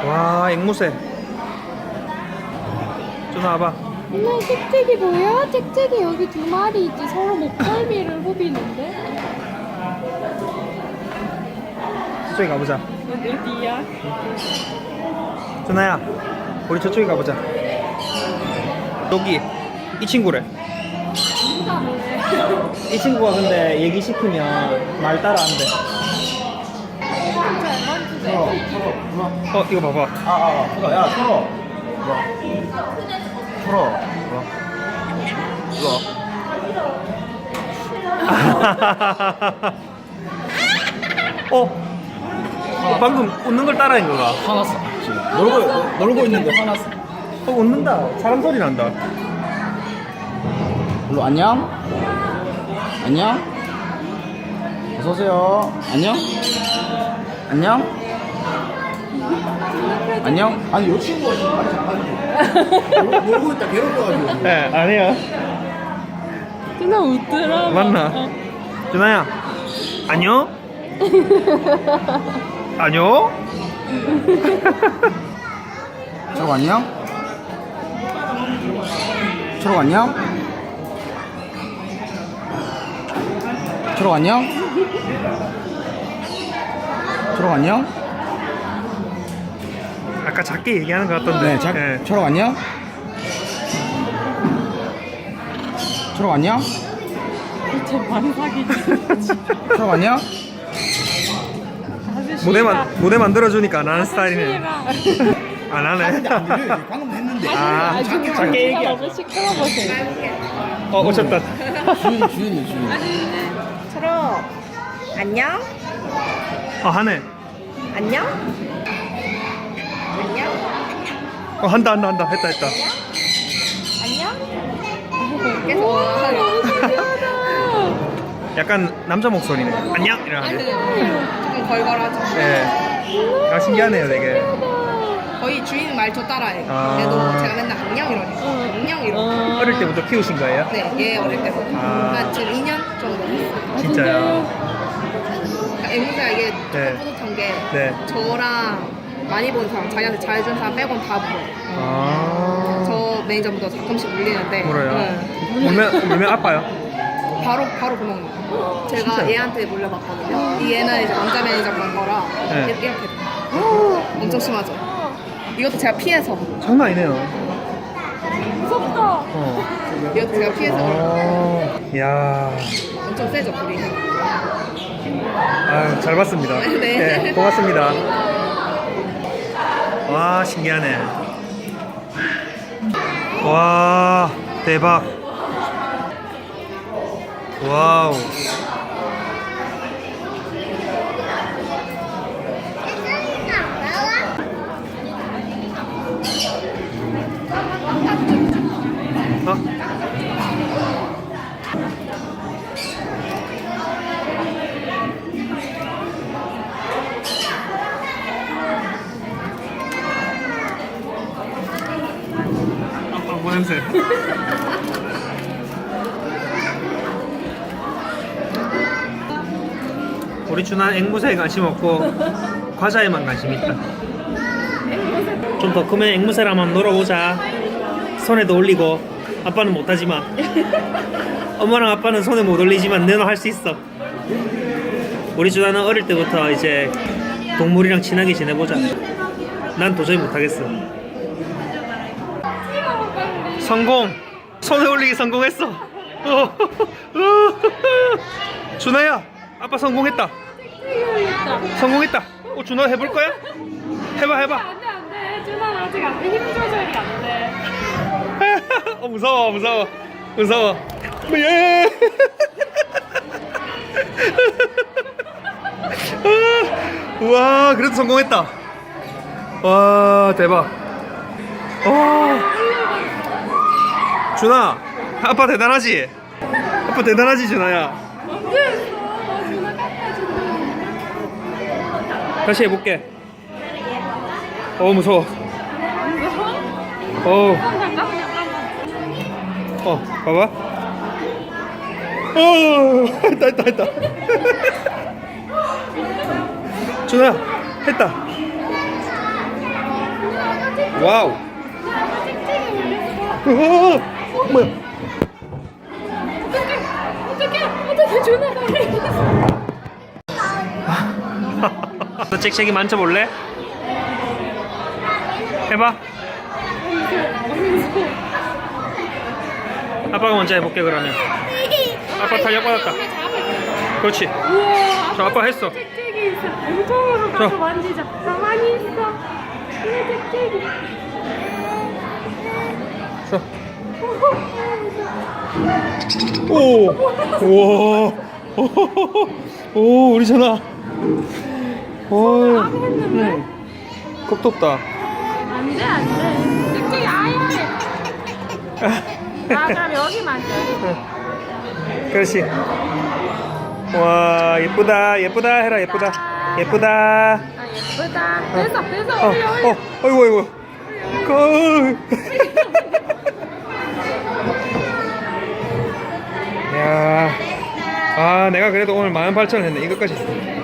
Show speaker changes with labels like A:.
A: 와, 앵무새. 준아 와봐.
B: 엄마 짹짹이 보여? 짹짹이 여기 두 마리 있지. 서로 목덜미를 후비는데.
A: 저쪽에 가보자.
B: 어디야?
A: 준아야, 우리 저쪽에 가보자. 여기 이 친구래. 이 친구가 근데 얘기 시키면 말 따라 안 돼. 이거 봐봐.
C: 야, 털어. 털어. 이거.
A: 방금 웃는 걸 따라한 거가.
C: 화났어. 지금. 놀고 있는데 화났어.
A: 웃는다. 사람 소리 난다.
C: 별로 안녕? 안녕? 어서오세요. 안녕? 안녕? 안녕? 아니, 요 친구가 지금 말이 잘하는데. 놀고 있다 괴롭혀가지고.
A: 네, 아니야.
B: 준아 웃더라.
A: 맞나? 준아야, 안녕? 안녕?
C: 초록 안녕? 초록 안녕? 초록 안녕? 초록 안녕?
A: 아까 작게 얘기하는 것 같던데.
C: 네, 초록 안녕? 초록 안녕?
B: 제 만삭이지.
C: 초록 안녕?
A: 무대 만들어주니까 안 하는 스타일이네. 안 하네.
C: 방금 했는데.
A: 아, 작게 얘기야.
B: 너무 시끄러워서.
A: 오셨다.
C: 주윤이.
D: 초록 안녕?
A: 하네.
D: 안녕? 안녕?
A: 한다. 했다.
D: 안녕? 계속
B: 너무 신기하다.
A: 약간 남자 목소리네. 안녕 이러네.
D: 조금 걸걸하죠.
A: 예. 아, 신기하네요, 되게.
D: 거의 주인 말투 따라해.
A: 아.
D: 얘도 제가 맨날 안녕 이러니까 안녕 이러고.
A: 어릴 때부터 키우신 거예요?
D: 네, 얘 어릴 때부터
A: 아.
D: 한 지금 2년 정도 됐어요.
A: 진짜요?
D: 그러니까 앵무새가 이게
A: 네.
D: 뿌듯한 게
A: 네.
D: 저랑 많이 본 사람, 자기한테 잘해준 사람 빼곤 다 물어요.
A: 아.
D: 저 매니저보다 가끔씩 물리는데
A: 물어요?
D: 네.
A: 물면 아파요?
D: 바로 구멍 나요. 제가
A: 진짜요?
D: 얘한테 물려봤거든요. 이 얘는 이제 남자 매니저 본 거라
A: 네.
D: 이렇게 돼요. 엄청 심하죠. 이것도 제가 피해서
A: 장난 아니네요.
B: 무섭다.
D: 이것도 제가 피해서 그래요.
A: 이야.
D: 엄청 세죠 불이.
A: 아유, 잘 봤습니다.
D: 네.
A: 고맙습니다. 와, 신기하네. 와, 대박. 와우. 뭐 냄새. 우리 준아 앵무새에 관심 없고 과자에만 관심 있다. 좀 더 크면 앵무새랑 한번 놀아보자. 손에도 올리고. 아빠는 못하지만 엄마랑 아빠는 손에 못 올리지만 너는 할 수 있어. 우리 준아는 어릴 때부터 이제 동물이랑 친하게 지내보자. 난 도저히 못하겠어. 성공! 손에 올리기 성공했어. 준아야, 아빠 성공했다. 성공했다. 준아 해볼 거야? 해봐.
B: 안돼. 준아 아직 안돼. 힘 조절이 안 돼.
A: 무서워. 예. 와, 그래도 성공했다. 와, 대박. 준아, 아빠 대단하지? 준아야. 다시 해볼게. 무서워. 봐봐. 했다. 준아, 했다. 와우. 뭐야?
B: 어떻게 준아 빨리.
A: 너 잭잭이 만져볼래? 해봐. 아빠가 먼저 해볼게 그러면. 아빠 탄력받았다. 그렇지.
B: 우와.
A: 저 아빠 했어.
B: 잭잭이 있어. 엄청으로 가서
A: 저.
B: 만지자. 가만히 있어. 이거 잭잭이.
A: 자. 오. 우와. 오 우리 전화. 오.
B: 안 했는데?
A: 겁도 없다.
B: 안돼 안돼. 잭잭이 아야해. 아 그럼 여기 만져.
A: 그렇지. 와 예쁘다 예쁘다 해라 예쁘다 예쁘다.
B: 아 예쁘다. 됐어 올려 올려.
A: 어이구 어이구. 야. 아 내가 그래도 오늘 18,000원 했네 이것까지.